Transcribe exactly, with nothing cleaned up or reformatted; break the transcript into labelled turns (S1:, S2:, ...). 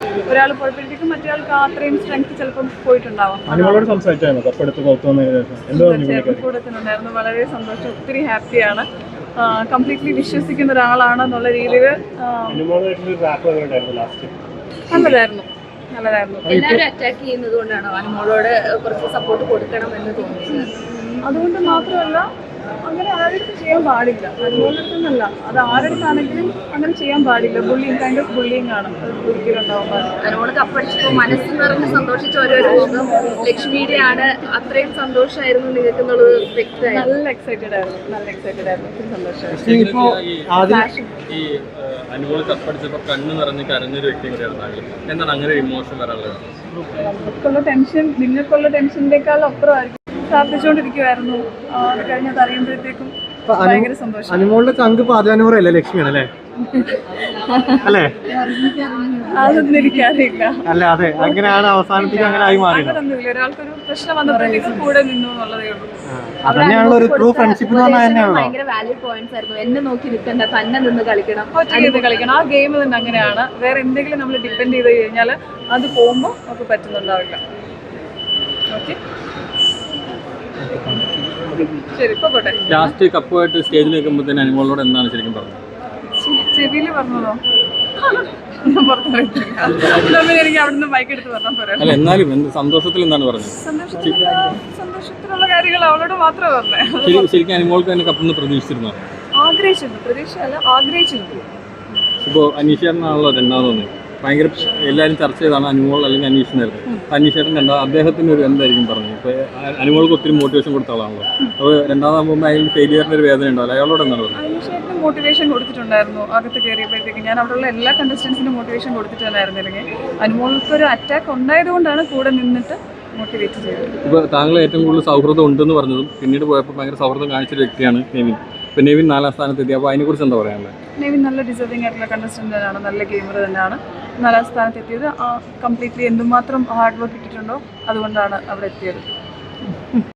S1: ഒരാൾ പോയപ്പോഴത്തേക്കും മറ്റേ ആൾക്ക് അത്രയും സ്ട്രെങ്ത് ചിലപ്പം പോയിട്ടുണ്ടാവും. കൂടത്തിനുണ്ടായിരുന്നു. വളരെ സന്തോഷം, ഒത്തിരി ഹാപ്പിയാണ്. കംപ്ലീറ്റ്ലി വിശ്വസിക്കുന്ന ഒരാളാണെന്നുള്ള രീതിയിൽ നല്ലതായിരുന്നു നല്ലതായിരുന്നു
S2: എല്ലാവരും അറ്റാക്ക് ചെയ്യുന്നത് കൊണ്ടാണോ അനുമോളോട് കുറച്ച് സപ്പോർട്ട് കൊടുക്കണം എന്ന് തോന്നിയത്?
S1: അതുകൊണ്ട് മാത്രമല്ല, അങ്ങനെ ആരുടെ ചെയ്യാൻ പാടില്ല. അതുപോലെ തന്നെയല്ല, അത് ആരുടെയാണെങ്കിലും അങ്ങനെ ചെയ്യാൻ പാടില്ല. ബുള്ളിങ് കൈൻഡ് ഓഫ് ബുള്ളിങ് ആണ്, അത് ഒരിക്കലും ഉണ്ടാവാൻ പാടില്ല.
S2: അനുമോള് കപ്പടിച്ചപ്പോൾ മനസ്സ് നിറഞ്ഞ് സന്തോഷിച്ച ഓരോരോ ലക്ഷ്മിയുടെ ആണ്. അത്രയും സന്തോഷമായിരുന്നു നിങ്ങൾക്ക് എന്നുള്ളത് വ്യക്തമായി.
S1: നല്ല എക്സൈറ്റഡ് ആയിരുന്നു നല്ല എക്സൈറ്റഡ് ആയിരുന്നു ഒത്തിരി സന്തോഷമായിരുന്നു.
S3: ഈ അനുമോള് കപ്പടിച്ചപ്പോൾ കണ്ണ് നിറഞ്ഞ് കരഞ്ഞൊരു വ്യക്തി കൂടിയാണ്. എന്താണ് അങ്ങനെ ഇമോഷൻ വരാനുള്ളത്?
S1: നമുക്കുള്ള ടെൻഷൻ നിങ്ങൾക്കുള്ള ടെൻഷനേക്കാൾ അപ്പുറമായിരിക്കും. പ്രാർത്ഥിച്ചുകൊണ്ടിരിക്കുവായിരുന്നു. അത് കഴിഞ്ഞത് അറിയുമ്പോഴത്തേക്കും ഭയങ്കര സന്തോഷം.
S4: അനുമോളുടെ ചങ്ക് പാചാനൂറല്ലേ ലക്ഷ്മിയാണ് അല്ലേ? അല്ലേ?
S1: അതൊന്നും എനിക്കറിയില്ല.
S4: അല്ല, അതെ, അങ്ങനെയാണ് അവസാനത്തേക്ക് അങ്ങനെ ആയി മാറിയത്.
S1: അങ്ങനൊന്നുമില്ല. ഒരാൾക്കൊരു പ്രശ്നം വന്നപ്പോഴത്തേക്കും കൂടെ നിന്നു എന്നുള്ളതേ ഉള്ളൂ.
S4: അതന്നെയാണല്ലോ ഒരു ട്രൂ ഫ്രണ്ട്ഷിപ്പ് എന്ന് പറഞ്ഞാൽ തന്നെയാണല്ലോ.
S2: ഭയങ്കര വാല്യൂ പോയിന്റ്സ് ആയിരുന്നു. എന്നെ നോക്കി നിൽക്കണ്ട, തന്നെ നിന്ന് കളിക്കണം,
S1: ഒറ്റയ്ക്ക് കളിക്കണം. ആ ഗെയിം തന്നെ അങ്ങനെയാണ്. വേറെ എന്തെങ്കിലും നമ്മൾ ഡിപ്പെൻഡ് ചെയ്ത് കഴിഞ്ഞാൽ അത് പോകുമ്പോൾ നമുക്ക് പറ്റുന്നുണ്ടാവില്ല. ഓക്കെ, ശരി, ഇപ്പൊ പോട്ടെ.
S3: ലാസ്റ്റ് കപ്പുമായിട്ട് സ്റ്റേജിൽ നിൽക്കുമ്പോൾ തന്നെ അനുമോളോട് എന്താണ് ശരിക്കും പറഞ്ഞത്?
S1: ചെവിയിൽ പറഞ്ഞതോ? ഞാൻ പുറത്ത് പോയിട്ടില്ല. എനിക്ക് അവിടെ നിന്ന് ബൈക്ക് എടുത്ത് പറഞ്ഞാൽ പോരാ.
S3: അല്ല, എന്നാലും എന്ത് സന്തോഷത്തിൽ എന്താണ് പറഞ്ഞത്?
S1: സന്തോഷത്തിലുള്ള സന്തോഷത്തിലുള്ള കാര്യങ്ങൾ അവളോട് മാത്രമേ പറഞ്ഞേ.
S3: ശരിക്കും അനുമോൾക്ക് തന്നെ കപ്പെന്ന് പ്രതീക്ഷിച്ചിരുന്നോ?
S1: ആഗ്രഹിച്ചിരുന്നു. പ്രതീക്ഷയല്ല, ആഗ്രഹിച്ചിരുന്നു.
S3: ഇപ്പോൾ അനീഷേട്ടനാണല്ലോ രണ്ടാമതൊന്ന് ഭയങ്കര എല്ലാവരും ചർച്ച ചെയ്താണ് അനുമോൾ അല്ലെങ്കിൽ അനീഷനായിരുന്നു. അനീഷേട്ടൻ രണ്ടാം അദ്ദേഹത്തിന് ഒരു എന്തായിരിക്കും പറഞ്ഞത്? ഇപ്പോൾ അനുമോൾക്ക് ഒത്തിരി മോട്ടിവേഷൻ കൊടുത്ത ആളാണല്ലോ. അപ്പോൾ രണ്ടാമതാകുമ്പോൾ അതിൽ ഫെയിലിയറിൻ്റെ ഒരു വേദന ഉണ്ടാവില്ല. അയാളോട് എന്താണ് പറഞ്ഞത്?
S1: അനീഷേട്ടന് മോട്ടിവേഷൻ കൊടുത്തിട്ടുണ്ടായിരുന്നു. അകത്ത് കയറിയപ്പോഴത്തേക്ക് ഞാൻ അവിടെയുള്ള എല്ലാ കണ്ടസ്റ്റൻസിനും മോട്ടിവേഷൻ കൊടുത്തിട്ടുണ്ടായിരുന്നില്ലെങ്കിൽ അനുമോൾക്കൊരു അറ്റാക്ക് ഉണ്ടായതുകൊണ്ടാണ് കൂടെ നിന്നിട്ട് മോട്ടിവേറ്റ് ചെയ്തത്.
S3: ഇപ്പോൾ താങ്കൾ ഏറ്റവും കൂടുതൽ സൗഹൃദം ഉണ്ടെന്ന് പറഞ്ഞതും പിന്നീട് പോയപ്പോൾ ഭയങ്കര സൗഹൃദം കാണിച്ചൊരു വ്യക്തിയാണ് നെവിൻ. ഇപ്പോൾ നെവിൻ നാലാം സ്ഥാനത്തെത്തി. അപ്പോൾ അതിനെക്കുറിച്ച് എന്താ പറയാനുള്ളത്?
S1: നെവിൻ നല്ല ഡിസേർവിംഗ് ആയിട്ടുള്ള കണ്ടസ്റ്റൻ്റ് തന്നെയാണ്, നല്ല ഗെയിമർ തന്നെയാണ്. നാലാം സ്ഥാനത്തെത്തിയത് കംപ്ലീറ്റ്ലി എന്തുമാത്രം ഹാർഡ് വർക്ക് ഇട്ടിട്ടുണ്ടോ അതുകൊണ്ടാണ് അവിടെ എത്തിയത്.